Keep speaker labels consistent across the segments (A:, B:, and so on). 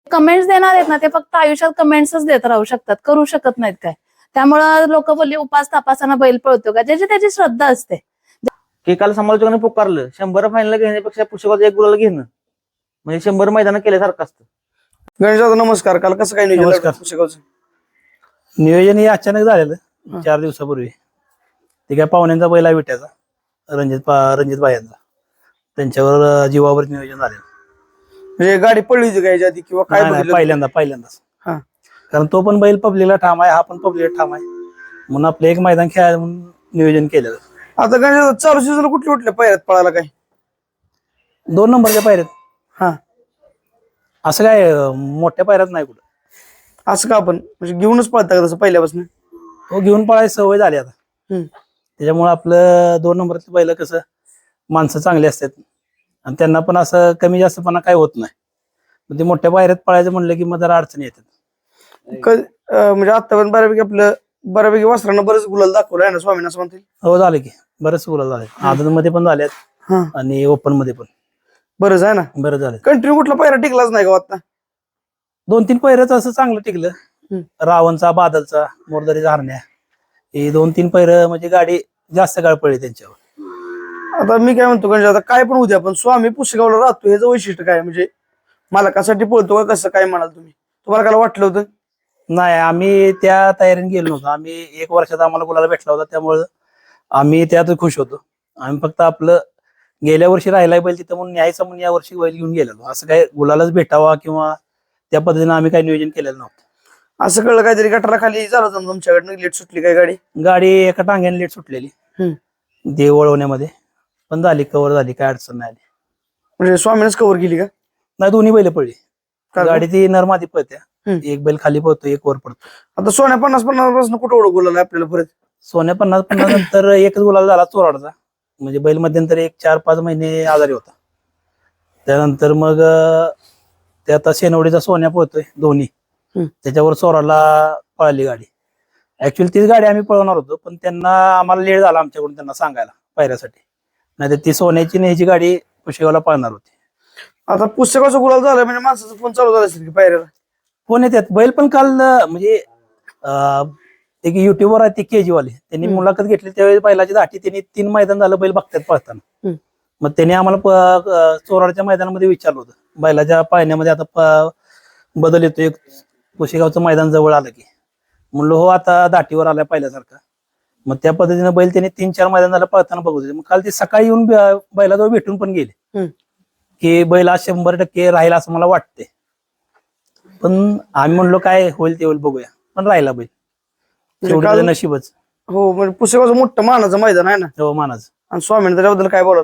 A: Comments देणार आहेत ना ते फक्त आयुष्यात कमेंट्सच देत राहू शकतात, करू शकत नाहीत काय. त्यामुळं लोक बोलली उपास तापासाना बैल पळतो का, ज्याची त्याची श्रद्धा असते.
B: की काल समालोचकांनी पुकारलं 100 फायनल घेण्यापेक्षा पुस्तकाचं एक गुलाल घेणं म्हणजे 100 मैदान केल्यासारखं असतं.
C: गणेश दादा नमस्कार. काल कसं काय नियोजन
D: नमस्कार.
C: पुसेगावचं?
D: नियोजन हे अचानक झालेलं 4 दिवसापूर्वी. ते काय पाहुण्यांचा बैल आहे विट्याचा रणजित भायांचा, त्यांच्यावर जीवावर नियोजन झालेलं.
C: म्हणजे गाडी पडली होती का याच्या आधी किंवा काय
D: नाही,
C: बघितलं?
D: पहिल्यांदाच.
C: हा.
D: कारण तो पण बैल पब्लिकला ठाम आहे, हा पण पब्लिकला ठाम आहे, म्हणून आपलं एक मैदान खेळायला म्हणून नियोजन केलेलं.
C: आता गणेश दादा चालू सीझन कुठल्या कुठल्या पायऱ्यात पळाला काय?
D: 2 नंबरच्या पायऱ्यात.
C: हा.
D: असं काय मोठ्या पायऱ्यात नाही कुठं.
C: असं का आपण म्हणजे घेऊनच पळता का तसं पहिल्यापासून?
D: तो घेऊन पळायची सवय झाली आता. त्याच्यामुळे आपलं 2 नंबरचं बैल कसं माणसं चांगली असतात आणि त्यांना पण असं कमी जास्तपणा काय होत नाही. पण ते मोठ्या पायऱ्यात पळायचं म्हणलं की मग जरा अडचणी येतात.
C: म्हणजे आतापर्यंत बऱ्यापैकी वासरांना बरंच गुलाल दाखवलं आहे ना स्वामींना, असं म्हणतील.
D: हो झालं की बरेच गुलाल झाले, आदत मध्ये पण झाल्यात
C: हा.
D: आणि ओपन मध्ये पण
C: बरंच आहे ना.
D: बरं झालं.
C: कंटिन्यू कुठला पायरा टिकलाच नाही का आता?
D: 2-3 पैरच असं चांगलं टिकलं. रावणचा, बादलचा, मोरदरीचा हरण्या, हे 2-3 पैर म्हणजे गाडी जास्त काळ पडली त्यांच्यावर.
C: आता मी काय म्हणतो गणेश दादा, काय पण उद्या पण स्वामी पुसेगावला राहतो ह्याचं वैशिष्ट्य काय? म्हणजे मालकासाठी पळतो का कसं काय म्हणाल तुम्ही? तुम्हाला काय वाटलं होतं?
D: नाही, आम्ही त्या तयारीने गेलो नव्हतो. आम्ही 1 वर्षाचा आम्हाला गुलाला भेटला होता, त्यामुळे आम्ही त्यात खुश होतो. आम्ही फक्त आपलं गेल्या वर्षी राहिलाय बैल तिथं म्हणून न्यायचं म्हणून या वर्षी बैल घेऊन गेलेलो. असं काय गुलालाच भेटावा किंवा त्या पद्धतीने आम्ही काही नियोजन केलेलं नव्हतं.
C: असं कळलं काहीतरी गटारा खाली झालं होतं तुमच्याकडनं, लेट सुटली काय गाडी?
D: गाडी एका टांग्याने लेट सुटलेली ते वळवण्यामध्ये, पण झाली, कव्हर झाली, काय अडचण नाही आली.
C: म्हणजे स्वामीनच कव्हर केली का?
D: नाही, दोन्ही बैल पडली.
C: का?
D: गाडी ती नरमादी पळत्या, एक बैल खाली पळतो, एक वर पडतो.
C: आता सोन्या 50-50 पासून कुठं ओळख गुलाल आपल्याला परत?
D: सोन्या 50-50 नंतर एकच गुलाल झाला चोराडचा. म्हणजे बैल मध्यंतरी 4-5 महिने आजारी होता. त्यानंतर मग ते आता शेनवडीचा सोन्या पळतोय दोन्ही, त्याच्यावर चोराला पळाली गाडी. ऍक्च्युअली तीच गाडी आम्ही पळवणार होतो, पण त्यांना आम्हाला लेट झाला आमच्याकडून त्यांना सांगायला पायऱ्यासाठी, नाही तर ती सोन्याची न्यायची गाडी पुशेगावला पळणार होती.
C: आता पुस्तकाचा गुलाल झाला म्हणजे माणसाचा फोन चालू झाला असेल की पायऱ्याला?
D: फोन येतात. बैल पण काल म्हणजे एक युट्यूबर आहे ते केजीवाले, त्यांनी मुलाखत घेतली त्यावेळी बैलाची दाटी त्यांनी 3 मैदान झालं बैल बघतात पळताना. मग त्यांनी आम्हाला चोराडच्या मैदानामध्ये विचारलं होतं, बैलाच्या पाळण्यामध्ये आता बदल येतो, एक पुशेगावचं मैदान जवळ आलं की. म्हणलो हो, आता दाटीवर आलाय पहिल्यासारखा. मग त्या पद्धतीने बैल त्यांनी 3-4 मैदान झालं पळताना बघत होते. मग काल ते सकाळी येऊन बैलाजवळ भेटून पण गेले की बैल आज 100% राहील असं मला वाटते. पण आम्ही म्हणलो काय होईल ते होईल, बघूया. पण राहिला बैल, शेवटी नशीबच.
C: हो, म्हणजे पुस्तकाचं मोठं मानाचं मैदान आहे ना.
D: हो, मानाचं.
C: आणि स्वामींना त्याच्याबद्दल काय बोलाल?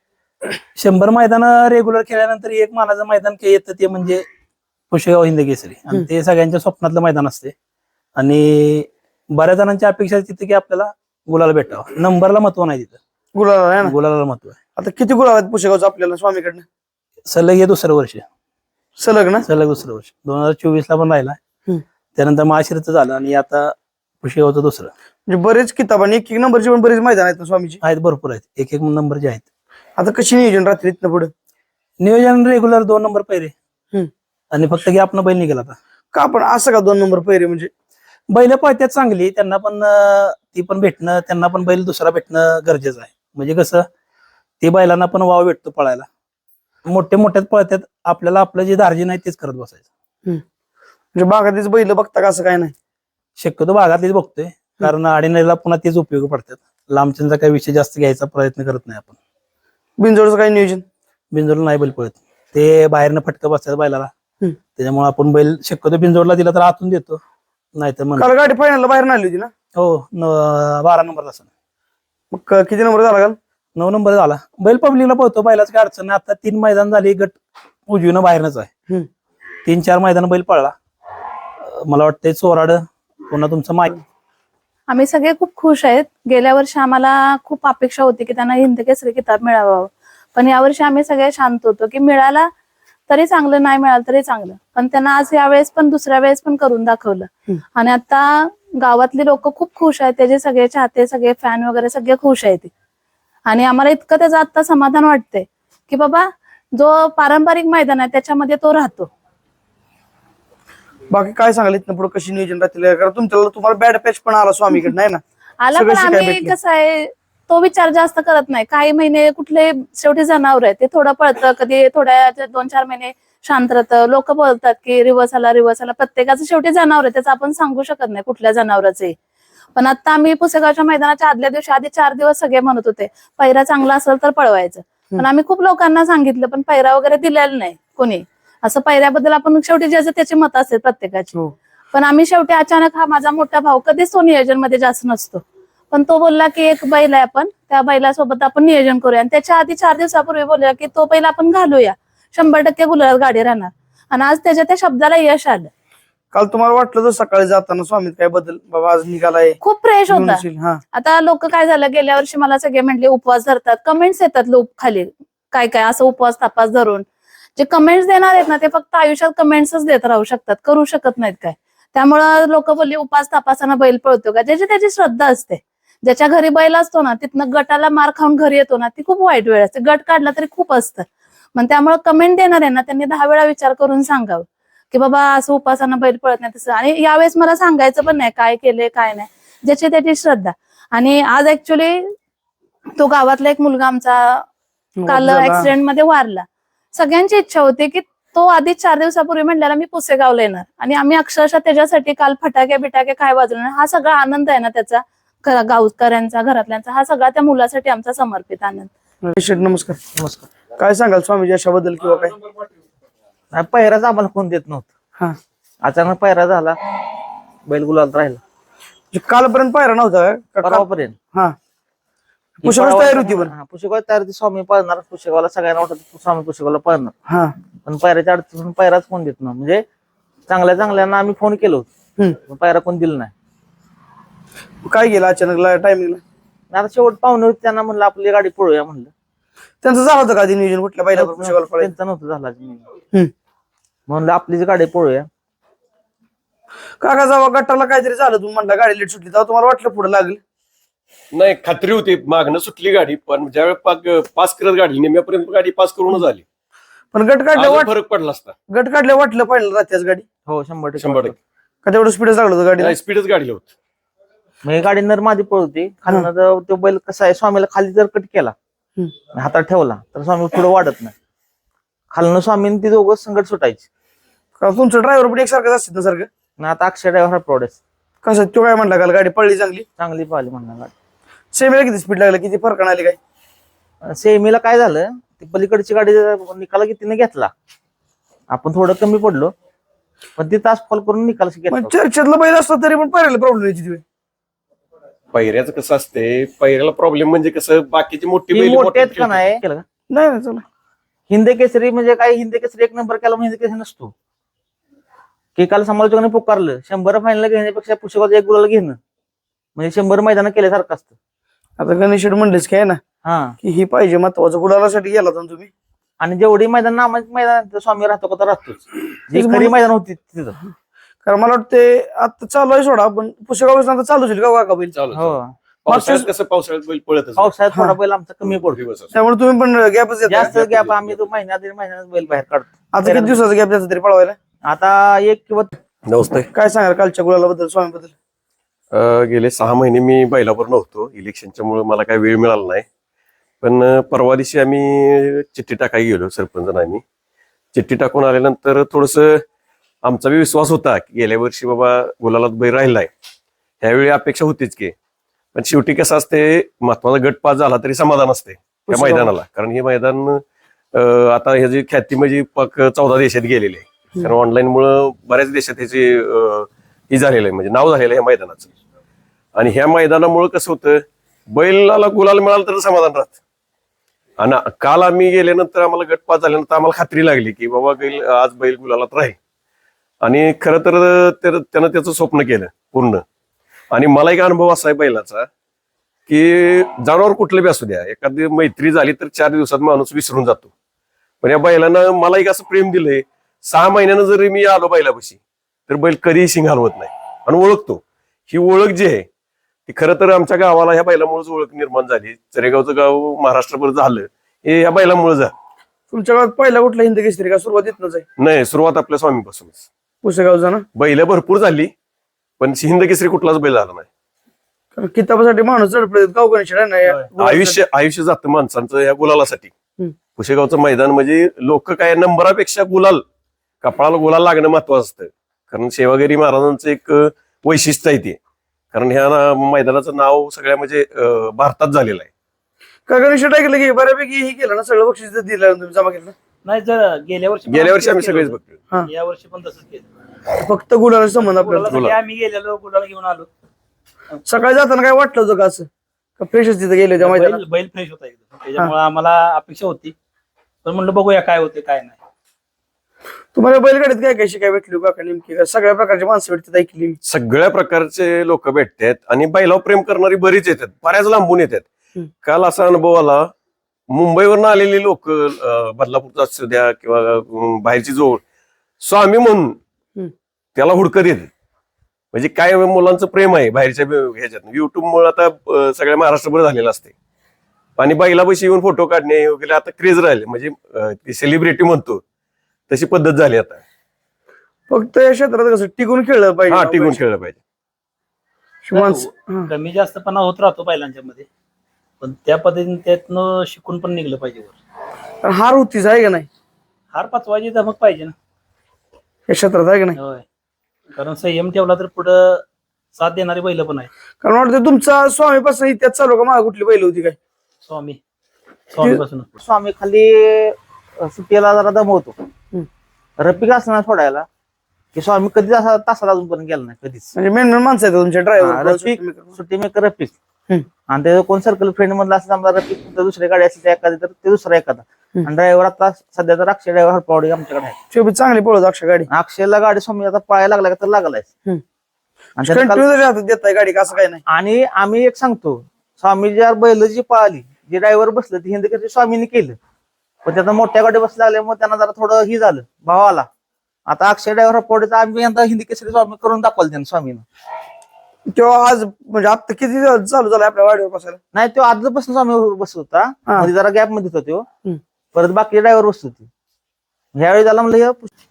D: 100 मैदान रेग्युलर खेळल्यानंतर एक मानाचं मैदान येतं ते म्हणजे पुशेगाव हिंद केसरी, आणि ते सगळ्यांच्या स्वप्नातलं मैदान असते. आणि बऱ्याच जणांची अपेक्षा तिथे की आपल्याला गुलाला भेटावं. नंबरला महत्व नाही तिथं,
C: गुलाल आहे ना.
D: गुलाला महत्व आहे.
C: आता किती गुलाल आहेत पुस्तकाचं आपल्याला स्वामीकडनं?
D: सलग हे 2रं वर्ष,
C: सलग ना?
D: सलग 2रं वर्ष. 2024 ला पण राहिला, त्यानंतर महाशिरचं झालं आणि आता पुशेगावचं 2रं.
C: म्हणजे बरेच किताब आणि एक नंबरची पण बरेच मैदान आहेत ना स्वामीची?
D: आहेत, भरपूर आहेत, एक नंबरचे आहेत.
C: आता कशी नियोजन रात्री इथनं पुढे?
D: नियोजन रेग्युलर 2 नंबर पैरे, आणि फक्त की आपण बैल निघाला आता.
C: का पण असं का 2 नंबर पहिरे? म्हणजे
D: बैल पळत्यात चांगली, त्यांना पण ती पण भेटणं, त्यांना पण बैल दुसरा भेटणं गरजेचं आहे. म्हणजे कसं ते बैलांना पण वाव भेटतो पळायला. मोठ्यात पळत्यात, आपल्याला आपलं जे दार्जिन आहे तेच करत बसायचं.
C: म्हणजे बागातलीच बैल बघता का? असं काय नाही,
D: शक्यतो भागातलीच बघतोय, कारण आडीनेला पुन्हा तेच उपयोग पडतात. लांबच्यांचा काही विषय जास्त घ्यायचा प्रयत्न करत नाही आपण.
C: बिनजोडचं काही नियोजन?
D: बिनजोडला नाही बैल पळत, ते बाहेरनं फटकं बसतात बैलाला, त्याच्यामुळे आपण बैल शक्यतो बिनजोडला दिला तर आतून देतो, नाहीतर मग.
C: काल गाडी फायनलला बाहेर आली होती ना?
D: हो, 12 नंबर असं.
C: मग किती नंबर झाला काल?
D: 9 नंबर झाला. बैल पब्लिकला पळतो, बैलाच काय अडचण नाही. आता 3 मैदान झाली, गट उजवीनं बाहेरनच आहे. 3-4 मैदान बैल पळला. मला वाटतंय चोराड पुन्हा तुमचं माहिती.
A: आम्ही सगळे खूप खुश आहेत. गेल्या वर्षी आम्हाला खूप अपेक्षा होती की त्यांना हिंद केसरी किताब मिळावा, पण यावर्षी आम्ही सगळे शांत होतो की मिळाला तरी चांगलं, नाही मिळालं तरी चांगलं. पण त्यांना आज यावेळेस पण दुसऱ्या वेळेस पण करून दाखवलं. आणि आता गावातली लोक खूप खुश आहेत, त्याचे सगळे चाहते, सगळे फॅन वगैरे सगळे खुश आहेत. आणि आम्हाला इतकं त्याचं आता समाधान वाटतंय की बाबा जो पारंपरिक मैदान आहे त्याच्यामध्ये तो राहतो.
C: बाकी काय सांगाल इथनं पुढे कशी नियोजन राहतील कारण तुम्हाला बॅड पॅच पण आला स्वामीकडे नाही ना
A: आला
C: सगळं
A: पण
C: शिकायला
A: आम्ही
C: भेटलं.
A: कसं आहे तो विचार जास्त करत नाही. काही महिने कुठले शेवटी जनावर आहे ते थोडं पळतं, कधी थोड्या 2-4 महिने शांत राहतं. लोक बोलतात की रिवर्स आला, प्रत्येकाचं शेवटी जनावर आहे, त्याचं आपण सांगू शकत नाही कुठल्या जनावरांचे. पण आता आम्ही पुसेगावच्या मैदानाच्या आदल्या दिवशी आधी 4 दिवस सगळे म्हणत होते पैरा चांगला असेल तर पळवायचं. पण आम्ही खूप लोकांना सांगितलं पण पैरा वगैरे दिलेला नाही कोणी. असं पैऱ्याबद्दल आपण शेवटी ज्याचं त्याची मत असते प्रत्येकाची.
C: हो.
A: पण आम्ही शेवटी अचानक हा माझा मोठा भाऊ कधीच तो नियोजन मध्ये जास्त नसतो, पण तो बोलला की एक बैल आहे आपण त्या बैलासोबत आपण नियोजन करूया. आणि त्याच्या आधी 4 दिवसापूर्वी बोलला की तो बैल आपण घालूया, 100% गुलाल गाडी राहणार. आणि आज त्याच्या त्या शब्दाला यश आलं.
C: काल तुम्हाला वाटलं तर सकाळी जाताना स्वामीत काय बदल बाबा आज निघालाय
A: खूप फ्रेश
C: घेऊन
A: होता.
C: येशील? हा
A: आता लोक काय झालं गेल्या वर्षी मला सगळे म्हटले उपवास धरतात, कमेंट्स येतात लोक खाली काय काय असं उपवास तपास धरून. जे कमेंट्स देणार आहेत ना ते फक्त आयुष्यात कमेंट्सच देत राहू शकतात, करू शकत नाहीत काय. त्यामुळं लोक बोलले उपास तपासानं बैल पळतो का. ज्याची त्याची श्रद्धा असते. ज्याच्या घरी बैल असतो ना तिथनं गटाला मार खाऊन घरी येतो ना ती खूप वाईट वेळ असते. गट काढला तरी खूप असतं. मग त्यामुळे कमेंट देणार आहे ना त्यांनी 10 वेळा विचार करून सांगावं की बाबा असं उपासानं बैल पळत नाही तसं. आणि यावेळेस मला सांगायचं पण नाही काय केलंय काय नाही, ज्याची त्याची श्रद्धा. आणि आज ऍक्च्युली तो गावातला एक मुलगा आमचा काल ऍक्सिडेंट मध्ये वारला. सगळ्यांची इच्छा होती की तो आधी 4 दिवसापूर्वी म्हणलेला मी पुसेगावला येणार आणि आम्ही अक्षरशः त्याच्यासाठी काल फटाके बिटाके काय वाजवणार. हा सगळा आनंद आहे ना त्याचा गावकऱ्यांचा घरातल्यांचा हा सगळा त्या मुलासाठी आमचा समर्पित आनंद.
C: शेठ नमस्कार.
B: नमस्कार.
C: काय सांगाल स्वामीजी अशाबद्दल किंवा काय?
B: नाही, पहिराच आम्हाला कोण देत नव्हतं.
C: हा
B: अचानक पहिरा झाला, बैल गुलाल राहिला
C: म्हणजे कालपर्यंत पायरा नव्हता का?
B: परवापर्यंत.
C: हा पुष्कळ तयारी होती पण.
B: पुशेगाव तयार होती, स्वामी पळणार पुशेगावला. सगळ्यांना वाटत स्वामी पुशेगावला पळणार,
C: हा
B: पण पायऱ्याच्या अडचण पायराच कोण देत नव्हतं. म्हणजे चांगल्या चांगल्यांना आम्ही फोन केलो पण पायरा कोण दिला नाही.
C: काय गेलं अचानक टायमिंगला?
B: आता शेवट पाहुणे होते त्यांना म्हणलं आपली गाडी पळूया म्हणलं.
C: त्यांचं झालं होतं का आधी नियोजन कुठल्या बैलावर पुष्कळ पळायचं?
B: त्यांचं नव्हतं झाला म्हणलं आपलीच गाडी पळूया.
C: काका जेव्हा गटाला काहीतरी झालं तुम्ही म्हणला गाडी लेट सुटली तेव्हा तुम्हाला वाटलं पुढे लागेल?
E: नाही, खात्री होती मागणं सुटली गाडी, पण ज्यावेळेस पास करत गाडी निम्यापर्यंत गाडी पास करूनच आली.
C: पण गट काढल्या
E: अजून फरक पडला असता.
C: गट काढल्या वाटलं पाहिलं राहत्याच गाडी
B: हो 100%.
E: 100%.
C: का तेवढं स्पीडच लागलं होतं गाडी?
E: स्पीडच गाडीला होत.
B: मग ही गाडी नरमादी पळवती खालनं. तो बैल कसा आहे स्वामीला खाली जर कट केला हातात ठेवला तर स्वामी पुढे वाढत नाही. खालनं स्वामीने ती दोघं संकट सुटायची.
C: का तुमचं ड्रायव्हर पण एकसारखंच असतात ना सारखं?
B: आणि आता अक्षय ड्रायव्हर प्रोडेस
C: कसं तो काय म्हणला काल गाडी पडली चांगली
B: चांगली पाहिली म्हणणार गाडी.
C: सेमीला किती स्पीड लागलं किती फरक आली काय?
B: सेमीला काय झालं ती पलीकडची गाडी निकाला कितीने घेतला, आपण थोडं कमी पडलो पण ती तास फॉल करून निकाल घेतला.
C: पण चर्चेतला बैल असतो तरी पण पायऱ्याला प्रॉब्लेम यायची ती.
E: पहिऱ्याचं कसं असते, पहिऱ्याला प्रॉब्लेम म्हणजे कसं बाकीची मोठी
B: ती
E: बैल
B: मोठे आहेत का नाही केलं का?
C: नाही ना चला
B: हिंद केसरी म्हणजे काय, हिंद केसरी 1 नंबर केला म्हणजे हिंद केसरी नसतो की काल समालोचकांनी पुकारलं 100 फायनल घेण्यापेक्षा पुस्तकाचं 1 गुलाल घेणं म्हणजे 100 मैदान केल्यासारखं असतं.
C: आता गणेश म्हणलेच काय ना
B: हा
C: की ही पाहिजे महत्वाचं गुलालासाठी गेला होता ना तुम्ही.
B: आणि जेवढी मैदान नामाची मैदान स्वामी राहतो का तर राहतोच. जी खरी मैदान होती तिथं.
C: कारण मला वाटते आता चालू आहे सोडा पण पुस्तकावर आता चालू होईल का काका बैल?
E: चालू
B: हो
E: पावसाळ्यात कसं पावसाळ्यात बैल पळत
B: पावसाळ्यात थोडा बैल आमचा कमी पडतो.
E: दिवस
C: त्यामुळे तुम्ही पण गॅपच
B: जास्त गॅप आम्ही तो महिन्यात 1.5 महिन्यात बैल बाहेर काढतो.
C: आता किती दिवसाचा गॅप द्यायचा तरी पळवायला?
B: आता 1 किंवा
E: नमस्ते.
C: काय सांगाल कालच्या गुलाला बद्दल स्वामी बद्दल?
E: गेले 6 महिने मी बैलावर नव्हतो, इलेक्शनच्या मुळे मला काही वेळ मिळाला नाही. पण परवा दिवशी आम्ही चिठ्ठी टाकायला गेलो सरपंच आणि आम्ही. चिठ्ठी टाकून आल्यानंतर थोडस आमचा बी विश्वास होता की गेल्या वर्षी बाबा गुलालात बैल राहिलाय, ह्यावेळी अपेक्षा होतीच की. पण शेवटी कसं असते, महत्वाचा गट पास झाला तरी समाधान असते त्या मैदानाला. कारण हे मैदान आता ह्याची ख्याती म्हणजे 14 देशात गेलेली आहे. कारण ऑनलाईन मुळे बऱ्याच देशात ह्याची ही झालेलं आहे, म्हणजे नाव झालेलं आहे ह्या मैदानाचं. आणि ह्या मैदानामुळे कसं होतं, बैलाला गुलाल मिळाला तर समाधान राहत. आणि काल आम्ही गेल्यानंतर आम्हाला गट पास झाल्यानंतर आम्हाला खात्री लागली की बाबा आज बैल गुलालात राहील. आणि खरं तर त्यानं त्याचं स्वप्न केलं पूर्ण. आणि मला एक अनुभव असा आहे बैलाचा की जनावर कुठलं बी असू द्या, एखादी मैत्री झाली तर 4 दिवसात माणूस विसरून जातो. पण या बैलानं मला एक असं प्रेम दिलंय, 6 महिन्यानं जरी मी आलो बैलापाशी तर बैल कधीही शिंग हलवत नाही आणि ओळखतो. ही ओळख जी आहे ती खरं तर आमच्या गावाला ह्या बैलामुळेच ओळख निर्माण झाली. चरेगावचं गाव महाराष्ट्रभर झालं हे या बैलामुळे झालं.
C: तुमच्या गावात पहिला कुठला हिंद केसरी का सुरुवात येतच आहे?
E: नाही, सुरुवात आपल्या स्वामीपासूनच.
C: पुसेगावचा ना,
E: बैल भरपूर झाली पण हिंद केसरी कुठलाच बैल आला नाही.
C: कारण किताबासाठी माणूस चढपडत गाव गणेश
E: आयुष्य जातं माणसांचं या गुलालासाठी.
C: हम्म.
E: पुशेगावचं मैदान म्हणजे लोक काय नंबरापेक्षा गुलाल, कपाळाला गुलाल लागणं महत्वाचं असतं. कारण सेवागिरी महाराजांचं एक वैशिष्ट्य आहे ते. कारण ह्या मैदानाचं नाव सगळ्या म्हणजे भारतात झालेलं आहे.
C: का गणेश ऐकलं की बऱ्यापैकी हे केलं ना, सगळं बक्षीस दिलं तुम्ही, जमा केलं
D: नाही जर गेल्या वर्षी
E: आम्ही सगळेच बघतो.
C: हा.
D: या वर्षी पण तसंच केलं.
C: फक्त गुलाला संबंध आपल्याला.
D: गुलालासाठी आम्ही गेलेलो, गुलाला घेऊन आलो.
C: सकाळी जाताना काय वाटलं होतं का असं, का फ्रेशच तिथे गेले त्या मैदानात?
D: बैल फ्रेश होता एकदम, त्याच्यामुळे आम्हाला अपेक्षा होती. पण म्हणलं बघूया काय होते काय नाही.
C: तुम्हाला बैलगाडीत काय काय शिकाय भेटली का नेमकी? का सगळ्या प्रकारची माणसं भेटतात ऐकली मी.
E: सगळ्या प्रकारचे लोक भेटतात आणि बैलावर प्रेम करणारी बरीच येतात, बऱ्याच लांबून येतात.
C: हम्म.
E: काल असा अनुभव आला, मुंबईवरनं आलेली लोक, बदलापूरचा असू द्या किंवा बाहेरची जोड, स्वामी म्हणून त्याला हुडकत येते. म्हणजे काय मुलांचं प्रेम आहे बाहेरच्या ह्याच्यात. युट्यूबमुळे आता सगळ्या महाराष्ट्रभर झालेलं असते. आणि बैलापाशी येऊन फोटो काढणे वगैरे आता क्रेज राहिले, म्हणजे सेलिब्रिटी म्हणतो तशी पद्धत झाली आता.
C: फक्त या क्षेत्रात कसं टिकून खेळलं पाहिजे.
E: हा, टिकून खेळलं पाहिजे.
C: माणसं
D: कमी जास्तपणा होत राहतो बैलांच्या मध्ये, पण त्या पद्धतीने त्यातनं शिकून पण निघलं पाहिजे वर.
C: पण हार होतीच आहे का नाही
D: हार पाचवायची धमक पाहिजे ना.
C: या क्षेत्रात, आहे का नाही?
D: होय, कारण संयम ठेवला तर पुढं साथ देणारी बैल पण आहे.
C: कारण वाटतं तुमचा स्वामीपासून त्यात चालू का, मागे कुठली बैल होती काय?
D: स्वामीपासून
B: स्वामी खाली सुट्टीला जरा दमवतो. रफिक असणार सोडायला की स्वामी कधीच असा तासाला अजूनपर्यंत गेला नाही कधीच.
C: म्हणजे मेन माणसं आहेत तुमच्या
B: रफिक
C: ड्रायव्हर.
B: सुट्टी मेकर रफिक. आणि त्याचं कोण सर्कल फ्रेंड मधला असं समजा रफिक दुसरी गाडी असेल त्या एखादी तर ते दुसरा एखादा. आणि ड्रायव्हर आता सध्या तर अक्षय ड्रायव्हर हरपावडी आमच्याकडे आहे.
C: ते चांगली पळत अक्षय गाडी.
B: अक्षयला गाडी स्वामी आता पळायला लागला तर लागलाय. आणि त्यानं काल-
C: कंटिन्यू देताय गाडी का, असं काय नाही?
B: आणि आम्ही एक सांगतो, स्वामी ज्या बैल जी पळाली, जे ड्रायव्हर बसलं ती हिंदकेसरी स्वामीने केलं. पण त्याचा मोठ्या गाडी बसला लागल्यामुळे त्यांना जरा थोडं ही झालं, भाव आला. आता अक्षय ड्रायव्हर पडचा आम्ही यंदा हिंदकेसरी स्वामी करून दाखवलं त्यानं स्वामीनं.
C: तेव्हा आज म्हणजे आता किती दिवस चालू झालं आपल्या वाडीवर बसायला?
B: नाही तो आजपासून स्वामी बसत होता,
C: हा.
B: मध्ये जरा गॅप मध्ये होता तो. परत बाकी ड्रायव्हर बसत होते. ह्यावेळी झाला म्हणलं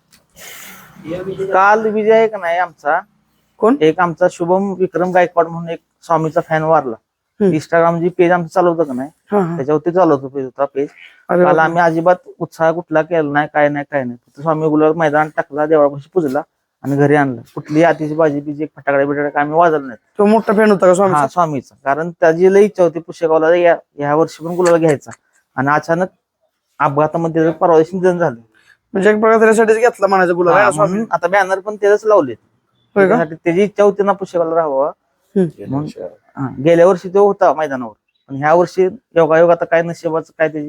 B: काल विजय आहे का नाही आमचा,
C: कोण?
B: एक आमचा शुभम विक्रम गायकवाड म्हणून एक स्वामीचा फॅन वारला. इंस्टाग्राम जी पेज आमचं चालवतं का नाही,
C: हा, हा.
B: त्याच्यावरती चालवतो पेज होता पेज.
C: अरे
B: काल
C: बापरे.
B: आम्ही अजिबात उत्साह कुठला केला नाही, काय नाही काय नाही. फक्त स्वामी गुलाल मैदान टाकला, देवळापाशी पुजला आणि घरी आणलं. कुठली आतिशी बाजी बिजी एक फटाकडे बिटाकडे आम्ही वाजवलं नाही.
C: तो मोठा फॅन होता का स्वामी?
B: हा, स्वामीचा. कारण त्याची लई इच्छा होती पुष्यगावला या वर्षी पण गुलाल घ्यायचा. आणि अचानक अपघातामध्ये त्याचं परवा दिवशी निधन झालं.
C: म्हणजे एक प्रकार त्याच्यासाठीच घेतला म्हणायचं गुलाल आहे
B: हा,
C: ना स्वामी.
B: म्हणून आता बॅनर पण त्याच लावलेत.
C: होय का?
B: त्याची इच्छा होती ना पुष्यगावला राहावं. म्हणून गेल्या वर्षी तो होता मैदानावर, पण ह्या वर्षी योगायोग आता काय नशिबाचं काय त्याची.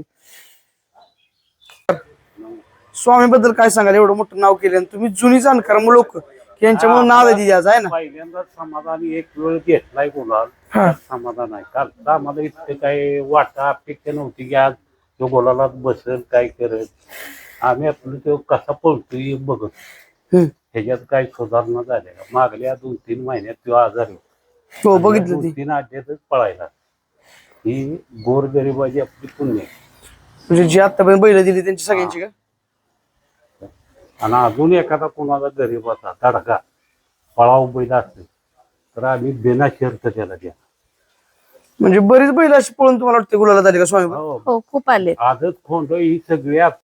C: स्वामी बद्दल काय सांगाल? एवढं मोठं नाव केलं आणि तुम्ही जुनी जाणकार लोक यांच्यामुळे नाव आहे आज, आहे ना?
F: पहिल्यांदा समाधान एक वेळ घेतलाय गुलाल,
C: हा.
F: समाधान आहे. काल आम्हाला इतकं काही वाटा अपेक्षा नव्हती की आज तो गुलालात बसेल काय करत. आम्ही आपलं तो कसा पळतोय बघत, ह्याच्यात काही सुधारणा झाल्या. मागल्या 2-3 महिन्यात तो आजारी
C: हो, बघितलं ती.
F: 2-3 आठवड्यातच पळायला. ही गोरगरिबाची आपली पुण्य आहे.
C: म्हणजे जी आतापर्यंत बैल दिली त्यांची सगळ्यांची का?
F: आणि अजून एखादा कोणाला गरीबाचा तडका पळाव बैल असेल तर आम्ही बिना शर्त त्याला द्या.
C: म्हणजे बरीच बैल अशी पळून तुम्हाला वाटते गुलाला झाली का स्वामी?
F: हो,
A: हो, खूप आले.
F: आजच खोंड ही सगळ्या